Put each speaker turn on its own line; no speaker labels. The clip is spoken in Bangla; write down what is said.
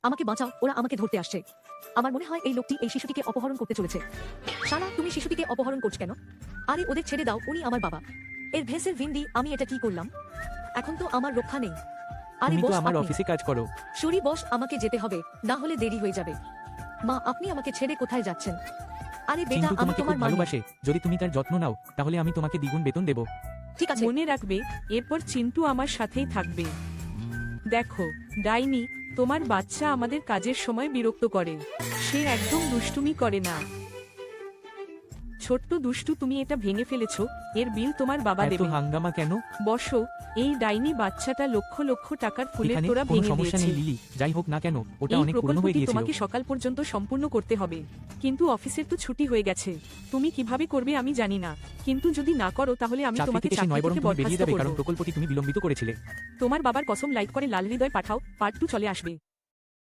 আমাকে বাঁচাও, ওরা আমাকে ধরতে আসছে। আমার মনে হয় এই লোকটি এই শিশুটিকে অপহরণ করতে চলেছে। শালা, তুমি শিশুটিকে অপহরণ করছ কেন? আরে ওদের ছেড়ে দাও, উনি আমার বাবা। এর ভেসের ভিন্ডি, আমি এটা কি করলাম? এখন তো আমার রক্ষা নেই। আরে
তুমি তো
বস,
আমার
আপনি
অফিসে কাজ করো।
সরি বস, আমাকে যেতে হবে, না হলে দেরি হয়ে যাবে। মা, আপনি আমাকে ছেড়ে কোথায় যাচ্ছেন? আরে বেটা,
চিন্টু
আমি
তোমাকে
তোমার
খুব
মা নই।
ভালোবাসে, যদি তুমি তার যত্ন নাও তাহলে আমি তোমাকে দ্বিগুণ বেতন দেব।
ঠিক আছে।
মনে রাখবে, এরপর চিন্টু আমার সাথেই থাকবে। দেখো ডাইনি, তোমার বাচ্চা আমাদের কাজের সময় বিরক্ত করে। সে একদম দুষ্টুমি করে না। ছোট্ট দুষ্টু, তুমি এটা ভেঙে ফেলেছো, এর বিল তোমার বাবা
এত
দেবে।
হাঙ্গামা কেন?
বসো। এই ডাইনি বাচ্চাটা লক্ষ লক্ষ টাকার ফুলের
এখানে
তোড়া
কোনো
ভেঙে
সমস্যা
দিয়েছে।
নেই লিলি, যাই হোক না কেন ওটা
এই
অনেক পুরনো হয়ে
প্রকল্পটি
গিয়েছিল।
তোমাকে সকাল পর্যন্ত সম্পূর্ণ করতে হবে, কিন্তু অফিসের তো ছুটি হয়ে গেছে। তুমি কিভাবে করবে আমি জানি না, কিন্তু যদি না করো তাহলে আমি
চাকরি
তোমাকে
থেকে সে
চাকরি
নয়, বরং
থেকে
তুমি বেরিয়ে
বরখাস্ত
যাবে,
করব।
কারণ প্রকল্পটি তুমি বিলম্বিত করেছিলে।
তোমার বাবার কসম, লাইক করে লাল হৃদয় পাঠাও, পার্ট 2 চলে আসবে।